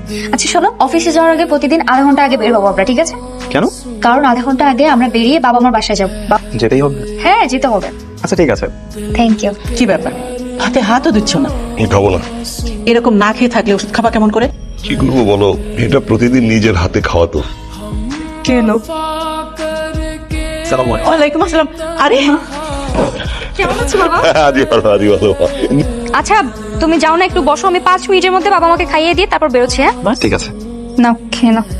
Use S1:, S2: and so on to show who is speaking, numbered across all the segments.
S1: আচ্ছা শোনো, অফিসে যাওয়ার আগে প্রতিদিন আধা ঘন্টা আগে বের হবো আমরা, ঠিক আছে?
S2: কেন?
S1: কারণ আধা ঘন্টা আগে আমরা বেরিয়ে বাবা মার বাসায় যাবো।
S2: যেতেই হবে?
S1: হ্যাঁ, যেতে হবে।
S2: আচ্ছা ঠিক আছে।
S1: Thank you.
S3: কি ব্যাপার, হাতে হাতও দিচ্ছ না?
S4: খাবো না।
S3: এরকম না খেয়ে থাকলে ওষুধ খাবা কেমন করে?
S4: কি করবো বলো, এটা প্রতিদিন নিজের হাতে খাওয়াতো।
S3: কেন? ওয়ালাইকুম আসসালাম। আরে কেমন আছো বাবা?
S4: আদি ভালো, আদি ভালো।
S1: আচ্ছা তুমি যাও না, একটু বসো, আমি 5 মিনিটের মধ্যে বাবা মাকে খাইয়ে দিয়ে তারপর বেরোচ্ছি। হ্যাঁ
S2: ঠিক আছে।
S1: নাও খেয়ে নাও।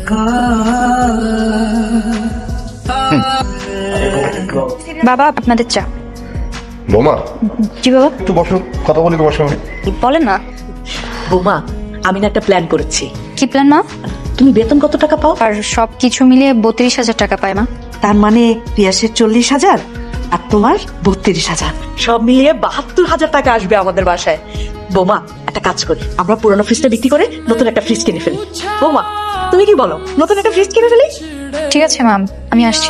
S1: বাবা আপনাদের চা।
S4: বোমা
S1: জি বাবা।
S4: একটু বসো, কথা বলি তোমার সঙ্গে।
S1: বলেন না।
S3: বৌমা, আমি না একটা প্ল্যান করেছি।
S1: কি প্ল্যান মা?
S3: তুমি বেতন কত টাকা পাও?
S1: আর সবকিছু মিলিয়ে 32,000 টাকা পায় মা।
S3: তার মানে পিয়াসের 40,000 আর তোমার 32,000, সব মিলিয়ে 72,000 টাকা আসবে আমাদের বাসায়। বৌমা, একটা কাজ করি, আমরা পুরোনো ফ্রিজটা বিক্রি করে নতুন একটা ফ্রিজ কিনে ফেলি। বৌমা তুমি কি বলো, নতুন একটা ফ্রিজ কিনে ফেলি?
S1: ঠিক আছে ম্যাম, আমি আসছি।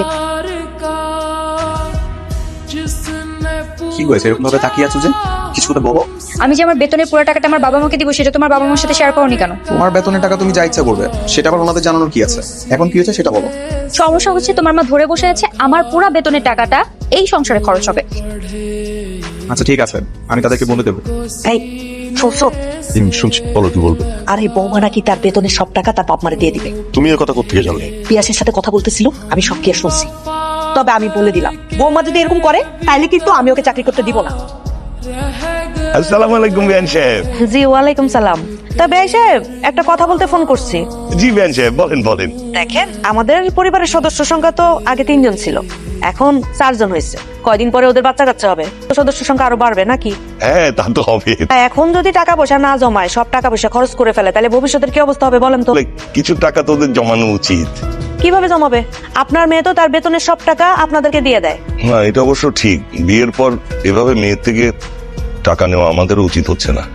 S2: কি হয়েছে এরকম ভাবে তাকিয়ে আছো যে? কিছু কথা বলো।
S1: আমি যে আমার বেতনের পুরো টাকাটা আমার বাবা মাকে দিব, সেটা তোমার বাবা মার সাথে শেয়ার করোনি কেন?
S2: তোমার বেতনের টাকা তুমি যা ইচ্ছা করবে, সেটা আবার ওনাদের জানানোর কি আছে? এখন কি হয়েছে সেটা বলো।
S1: সমস্যা হচ্ছে তোমার মা ধরে বসে আছে আমার পুরো বেতনের টাকাটা এই সংসারে খরচ হবে।
S2: আচ্ছা ঠিক আছে, আমি তাদেরকে বলে দেবো।
S3: এই শুনছো?
S4: শুনছি, বলো কি বলবে।
S3: আরে বৌমা নাকি তার বেতনের সব টাকা তার বাপ মারে দিয়ে দিবে।
S4: তুমি এর কথা কোথেকে জানলে?
S3: পিয়াসের সাথে কথা বলতেছিল, আমি সব কি শুনছি। তবে আমি বলে দিলাম, বৌমা যদি এরকম করে তাইলে কিন্তু আমি ওকে চাকরি করতে দিব না।
S4: আসসালামু আলাইকুম বিয়ান সাহেব।
S3: জি ওয়ালাইকুম সালাম। তা বেয়াই সাহেব, একটা কথা বলতে ফোন করছি।
S4: জি বিয়ান সাহেব, বলেন বলেন।
S3: দেখেন, আমাদের পরিবারের সদস্য সংখ্যা তো আগে 3 জন ছিল, এখন 4 জন হয়েছে। কয়দিন পরে ওদের বাচ্চা কাচ্চা হবে, তো সদস্য সংখ্যা আরো বাড়বে নাকি?
S4: হ্যাঁ তা তো হবে।
S3: এখন যদি টাকা পয়সা না জমায়, সব টাকা পয়সা খরচ করে ফেলে, তাহলে ভবিষ্যতের কি অবস্থা হবে বলেন তো?
S4: কিছু টাকা তোদের জমানো উচিত।
S3: কিভাবে জমাবে? আপনার মেয়ে তো তার বেতনের সব টাকা আপনাদেরকে দিয়ে দেয়।
S4: না এটা অবশ্য ঠিক, বিয়ের পর এভাবে মেয়ের থেকে টাকা নেওয়া আমাদেরও উচিত হচ্ছে না।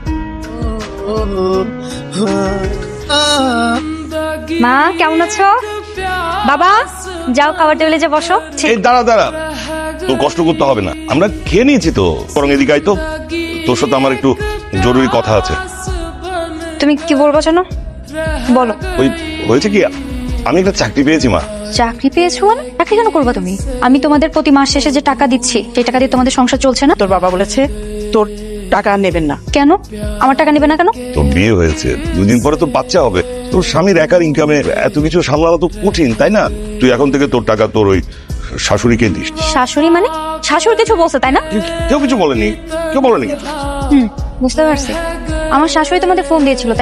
S1: মা কেমন আছো? বাবা যাও খাবার টেবিলে যে বসো।
S4: এই দাঁড়া দাঁড়া, তোর কষ্ট করতে হবে না, আমরা খেয়ে নিয়েছি তো। বরং এদিকে আয় তো, তোর সাথে আমার একটু জরুরি কথা আছে।
S1: তুমি কি বলবো জানো? বলো।
S4: ওই হয়েছে কি, আমি একটা চাকরি পেয়েছি মা।
S1: চাকরি পেয়েছো মানে? চাকরি কেন করবা তুমি? আমি তোমাদের প্রতি মাস শেষে যে টাকা দিচ্ছি, সেই টাকা দিয়ে তোমাদের সংসার চলছে না?
S3: তোর বাবা বলেছে তোর টাকা নেবেন না।
S1: কেন আমার টাকা নেবে না কেন?
S4: তোর বিয়ে হয়েছে, 2 দিন পরে তো বাচ্চা হবে। তোর স্বামীর একার ইনকামে এত কিছু সামলানো তো কঠিন, তাই না? তুই এখন থেকে তোর টাকা তোর ওই শাশুড়িকে দিস।
S1: শাশুড়ি মানে? শাশুড়ি কিছু বলছে তাই না?
S4: কেউ কিছু বলেনি, কেউ বলেনি।
S1: বুঝতে পারছি। আমার শাশুড়ি তোমাদের ফোন দিয়েছিল।